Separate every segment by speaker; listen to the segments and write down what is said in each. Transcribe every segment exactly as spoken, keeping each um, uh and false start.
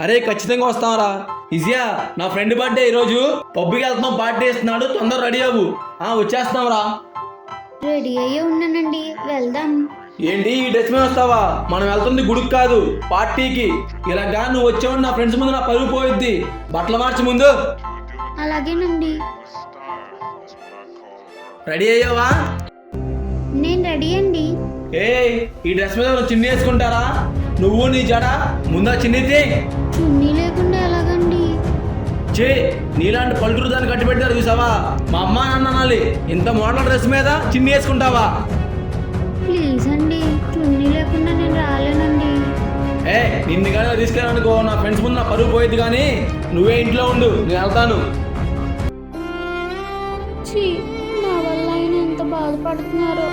Speaker 1: అరే ఖచ్చితంగా వస్తాంరా. ఇజియా నా ఫ్రెండ్ బర్త్డే ఈరోజు, పబ్కి వెళ్తున్నాం, పార్టీ ఇస్తున్నాడు, తొందర రెడీ అవ్వు. ఆ వచ్చేస్తాంరా.
Speaker 2: రెడీ అయ్యి ఉన్నానండి, వెళ్దాం.
Speaker 1: ఏంటి ఈ డ్రెస్ మీద వస్తావా? మనం వెళ్తుంది గుడికి కాదు, పార్టీకి. ఇలాగా నువ్వు వచ్చావు నా ఫ్రెండ్స్ ముందు నా పరుగు పోయిద్ది. బట్టలు మార్చి ముందు.
Speaker 2: అలాగేనండి.
Speaker 1: రెడీ అయ్యావా?
Speaker 2: నేను రెడీ అండి.
Speaker 1: ఏ ఈ డ్రెస్ మీద చిన్ని వేసుకుంటారా? నువ్వు నీ జడ ముందా చిన్నిది.
Speaker 2: చున్నీ లేకుండా ఎలాగండి?
Speaker 1: చే నీలాంటి పల్లెటూరు దాన్ని కట్టి పెట్టారు చూసావా? మా అమ్మ నాన్న అనాలి, ఇంత మోడల్ డ్రెస్ మీద చిన్ని వేసుకుంటావా?
Speaker 2: ప్లీజ్ అండి, చున్నీ లేకుండా నేను రాలేనండి.
Speaker 1: ఏ నిన్ను కానీ తీసుకెళ్ళాలనుకో నా ఫ్రెండ్స్ ముందు నా పరుగు పోయేది. కానీ నువ్వే ఇంట్లో ఉండు, నేను వెళ్తాను.
Speaker 2: ఛీ, నా వల్ల ఆయన ఎంత బాధపడుతున్నారో.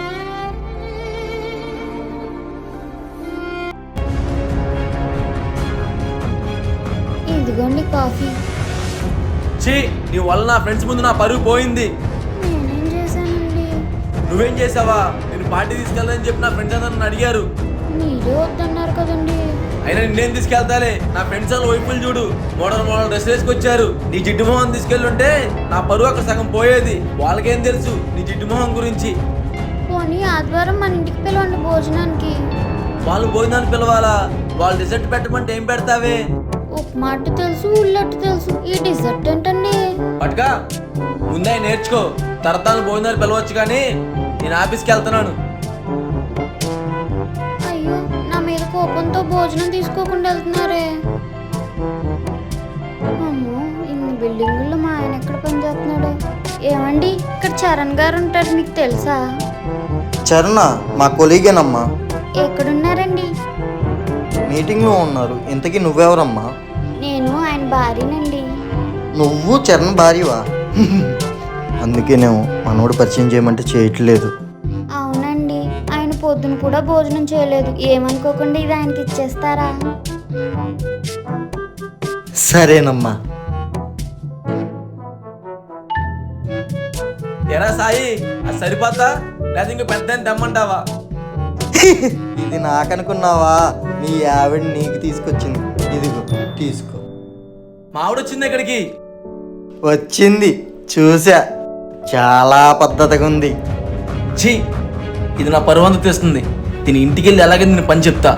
Speaker 2: ఇదిగోండి కాఫీ.
Speaker 1: చీ నీ వల్ల నా ఫ్రెండ్స్ ముందు నా పరుగు పోయింది.
Speaker 2: నేనేం చేశానండి?
Speaker 1: నువ్వేం చేసావా? నేను పార్టీ తీసుకెళ్ళాలని చెప్పి నా ఫ్రెండ్స్ అందరూ నన్ను అడిగారు.
Speaker 2: మీరే వద్దన్నారు కదండి.
Speaker 1: అయినా నిన్నేం తీసుకెళ్తాలే, నా ఫ్రెండ్స్ వాళ్ళ వైపులు చూడు, మోడల్ మోడల్ డ్రెస్ వేసుకొచ్చారు. నీ జిడ్డు మొహం తీసుకెళ్ళుంటే నా పరువు అక్కడ సగం పోయేది. వాళ్ళకేం తెలుసు నీ జిడ్డు మొహం గురించి?
Speaker 2: పోనీ ఆదివారం మన ఇంటికి పిలవండి భోజనానికి.
Speaker 1: వాళ్ళు భోజనానికి పిలవాలా? వాళ్ళు డిజర్ట్ పెట్టమంటే ఏం పెడతావే?
Speaker 2: ఉప్మా అట్టు తెలుసు, ఉల్లట్టు తెలుసు, ఈ డిజర్ట్ ఏంటండి?
Speaker 1: పట్టుగా ముందే నేర్చుకో, తరతాను భోజనాలు పిలవచ్చు. కానీ నేను ఆఫీస్కి వెళ్తున్నాను.
Speaker 2: అయ్యో, నా మీద కోపంతో భోజనం తీసుకోకుండా వెళ్తున్నారే. అమ్మో, ఇన్ని బిల్డింగుల్లో మా ఆయన ఎక్కడ పనిచేస్తున్నాడు? ఏమండి, ఇక్కడ చరణ్ గారు ఉంటారు, మీకు తెలుసా?
Speaker 3: చరణ్ మా కొలీగేనమ్మా.
Speaker 2: ఎక్కడున్నారండి?
Speaker 3: మీటింగ్లో ఉన్నారు. ఇంతకీ నువ్వెవరమ్మా?
Speaker 2: నేను ఆయన భార్యనండి.
Speaker 3: నువ్వు చరణ్ భార్యవా? అందుకేనేమో మనోడు పరిచయం చేయమంటే చేయట్లేదు.
Speaker 2: అవునండి, ఆయన పొద్దున కూడా భోజనం చేయలేదు. ఏమనుకోకుండా ఇది ఆయనకి ఇచ్చేస్తారా?
Speaker 3: సరేనమ్మా.
Speaker 1: ఎరా సాయి, అది సరిపోతా లేదా ఇంకో పెద్ద తెమ్మంటావా?
Speaker 3: ఇది నాకనుకున్నావా? నీ ఆవిడ నీకు తీసుకొచ్చింది. ఇదిగో తీసుకో.
Speaker 1: మావిడ వచ్చింది ఇక్కడికి.
Speaker 3: వచ్చింది, చూసా. చాలా పద్ధతిగా ఉంది.
Speaker 1: ఛీ, ఇది నా పరువంత తెస్తుంది. దీని ఇంటికి వెళ్ళి ఎలాగే నేను పని చెప్తా.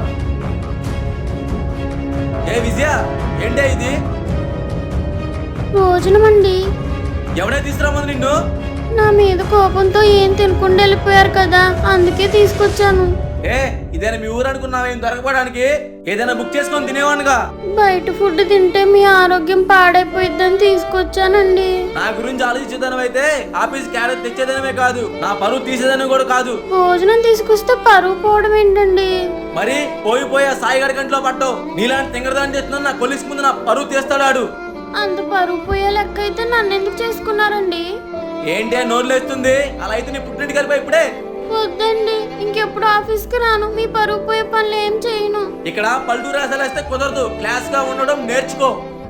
Speaker 1: ఏ విజయ, ఏంటే ఇది?
Speaker 2: భోజనం అండి.
Speaker 1: ఎవడే తీసుకురామని నిన్ను?
Speaker 2: నా మీద కోపంతో ఏం తినకుండా వెళ్ళిపోయారు కదా, అందుకే తీసుకొచ్చాను.
Speaker 1: ఏ ఇదేనా మీ ఊరు అనుకున్నావా ఏం దొరకపోవడానికి? ఏదైనా బుక్ చేసుకొని తినేవానుగా.
Speaker 2: బయట ఫుడ్ తింటే మీ ఆరోగ్యం పాడైపోయిద్దని తీసుకొచ్చానండి.
Speaker 1: నా గురించి ఆలోచించేదానం అయితే ఆఫీస్ క్యారెట్ తెచ్చేదనమే కాదు, నా పరువు తీసేదనం కూడా కాదు.
Speaker 2: భోజనం తీసుకొస్తే పరువు పోవడం ఏంటండి?
Speaker 1: మరి పోయి పోయి ఆ సాయిగడి కంట్లో పట్టవు. నీలాంటి తింగరదాన్ని చేస్తున్నాను, నా కొలిసి ముందు నా పరువు తీస్తాడాడు.
Speaker 2: అంత పరువు పోయే లెక్క అయితే నన్ను ఎందుకు చేసుకున్నారండి?
Speaker 1: ఏంటి నోరులేస్తుంది? అలా అయితే నీ పుట్టింటికి వెళ్ళిపోయి ఇప్పుడే.
Speaker 2: వద్దండి, ఇంకెప్పుడు ఆఫీస్కి రాను. మీ పరువు పోయే పనులు ఏం చేయను.
Speaker 1: ఇక్కడ పల్లెటూరు రాసాలు వేస్తే కుదరదు, క్లాస్ గా ఉండడం నేర్చుకో.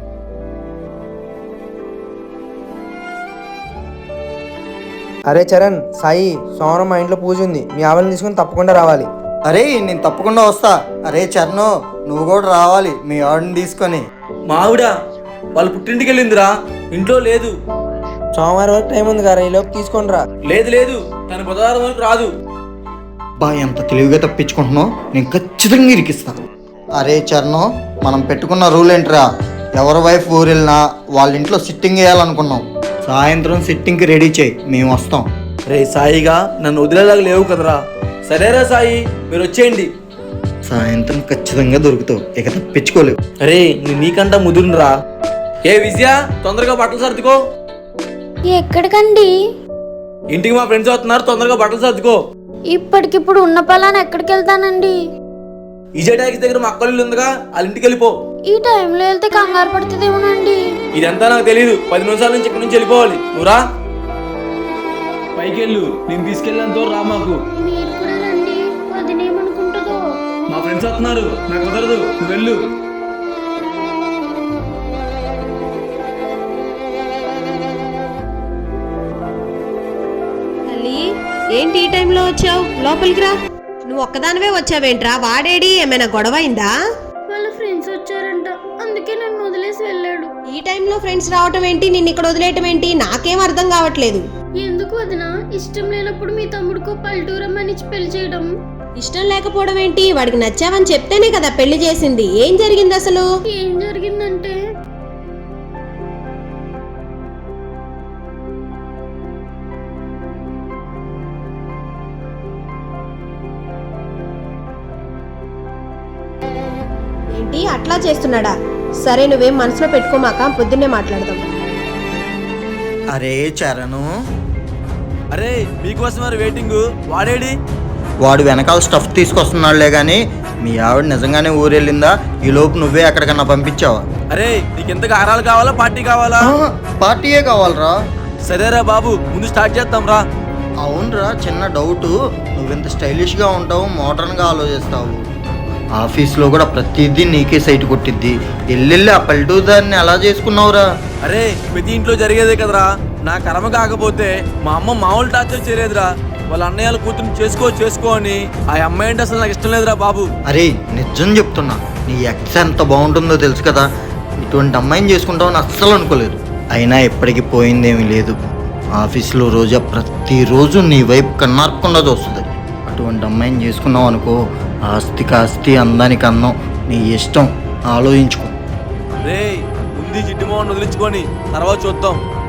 Speaker 4: అరే చరణ్, సాయి, సోమవారం మా ఇంట్లో పూజ ఉంది, మీ ఆవిడని తీసుకుని తప్పకుండా రావాలి.
Speaker 3: అరే నేను తప్పకుండా వస్తా. అరే చరణ్, నువ్వు కూడా రావాలి మీ ఆవిడని తీసుకొని.
Speaker 1: మావిడ వాళ్ళ పుట్టింటికి వెళ్ళిందిరా, ఇంట్లో లేదు.
Speaker 4: సోమవారం వరకు టైం ఉంది కదా, ఈలోపు తీసుకొని రా.
Speaker 1: లేదు లేదు, తన బుధవారం వరకు రాదు.
Speaker 3: బా ఎంత తెలివిగా తప్పించుకుంటున్నావు, నేను ఖచ్చితంగా ఇరికిస్తా. అరే చరణ్, మనం పెట్టుకున్న రూల్ ఏంట్రా? ఎవరి వైఫ్ ఊరు వెళ్ళినా వాళ్ళ ఇంట్లో సిట్టింగ్ వేయాలనుకున్నాం. సాయంత్రం సిట్టింగ్కి రెడీ చేయి, మేము వస్తాం.
Speaker 1: రే సాయిగా నన్ను వదిలేలాగా లేవు కదరా. సరేరా సాయి, మీరు వచ్చేయండి.
Speaker 3: సాయంత్రం ఖచ్చితంగా దొరుకుతావు, ఇక తప్పించుకోలేవు.
Speaker 1: అరే నేను నీకంటా ముదురురా. ఏ విజయ, తొందరగా బట్టలు సర్దుకో.
Speaker 2: ఎక్కడికండి?
Speaker 1: ఇంటికి మా ఫ్రెండ్స్ వస్తున్నారు, తొందరగా బట్టలు సర్దుకో.
Speaker 2: ఇప్పటికిప్పుడు ఉన్న పలానా ఎక్కడికి వెళ్తానండి?
Speaker 1: ఈజే ట్యాక్స్ దగ్గర మా అక్కలు ఉందిగా, వాళ్ళ ఇంటికి వెళ్ళిపో.
Speaker 2: ఈ టైంలో వెళ్తే కంగారు పడుతుందేమోనండి.
Speaker 1: ఇదంతా నాకు తెలియదు, పది నిమిషాల నుంచి ఇక్కడి నుంచి వెళ్ళిపోవాలి. నువ్వురా పైకి వెళ్ళు, నేను తీసుకెళ్ళాను రా. మాకు
Speaker 2: మీరు కూడా రండి, వదినేమనుకుంటుందో.
Speaker 1: మా ఫ్రెండ్స్ వస్తున్నారు, నాకు కుదరదు, నువ్వు వెళ్ళు.
Speaker 5: ఏంటి ఈ టైంలో వచ్చావు? లోపలికి రా. నువ్వు ఒక్కదానివే వచ్చావేంట్రా? వాడేడి? ఏమైనా గొడవ అయిందా?
Speaker 2: వాళ్ళ ఫ్రెండ్స్ వచ్చారంట, అందుకే
Speaker 5: టైంలో ఫ్రెండ్స్ రావటం ఏంటి, నిన్ను ఇక్కడ వదిలేయటం ఏంటి, నాకేం అర్థం కావట్లేదు.
Speaker 2: ఎందుకు వదినా ఇష్టం లేనప్పుడు మీ తమ్ముడికో పల్లెటూరమ్మని ఇచ్చి పెళ్లి చేయడం?
Speaker 5: ఇష్టం లేకపోవడం ఏంటి, వాడికి నచ్చావని చెప్తేనే కదా పెళ్లి చేసింది. ఏం జరిగింది అసలు?
Speaker 2: ఏం జరిగిందంటే
Speaker 5: ఏంటి అట్లా చేస్తున్నాడా? సరే నువ్వేం మనసులో పెట్టుకోమాక, పొద్దున్నే మాట్లాడదాం.
Speaker 3: అరే చరణు,
Speaker 1: అరే మీకోసం మరి వెయిటింగ్. వాడేడి?
Speaker 3: వాడు వెనకాల స్టఫ్ తీసుకొస్తున్నాడులే కానీ మీ ఆవిడ నిజంగానే ఊరెళ్ళిందా? ఈ లోపు నువ్వే ఎక్కడికన్నా పంపించావా?
Speaker 1: అరే నీకెంతగా ఆరాలు కావాలా పార్టీ కావాలా?
Speaker 3: ఆ, పార్టీయే కావాలరా.
Speaker 1: సరేరా బాబు, ముందు స్టార్ట్ చేద్దాం రా.
Speaker 3: అవునరా, చిన్న డౌటు. నువ్వెంత స్టైలిష్గా ఉంటావు, మోడర్న్గా ఆలోచిస్తావు. ఆఫీస్లో కూడా ప్రతిదీ నీకే సైట్ కొట్టిద్ది. ఎల్లెళ్ళి ఆ పల్లెటూరు దాన్ని ఎలా చేసుకున్నావురా?
Speaker 1: అరే ప్రతి ఇంట్లో జరిగేదే కదరా. నా కర్మ కాకపోతే మా అమ్మ మామూలు టార్చర్ చేయలేదురా. వాళ్ళ అన్నయ్యల కూతురు చేసుకో చేసుకో అని. ఆ అమ్మాయి అంటే అసలు నాకు ఇష్టం లేదురా బాబు.
Speaker 3: అరే నిజం చెప్తున్నా, నీ ఎక్స్ ఎంత బాగుంటుందో తెలుసు కదా. ఇటువంటి అమ్మాయిని చేసుకుంటావని అస్సలు అనుకోలేదు. అయినా ఎప్పటికీ పోయిందేమీ లేదు. ఆఫీస్లో రోజా ప్రతిరోజు నీ వైపు కన్నార్పకుండా చూస్తుంది. అటువంటి అమ్మాయిని చేసుకున్నావు అనుకో, ఆస్తికి ఆస్తి, అందానికి అందం, నీ ఇష్టం. ఆలోచించుకో.
Speaker 1: రే ముందు జిడ్డు మొహం వదిలించుకొని తర్వాత చూద్దాం.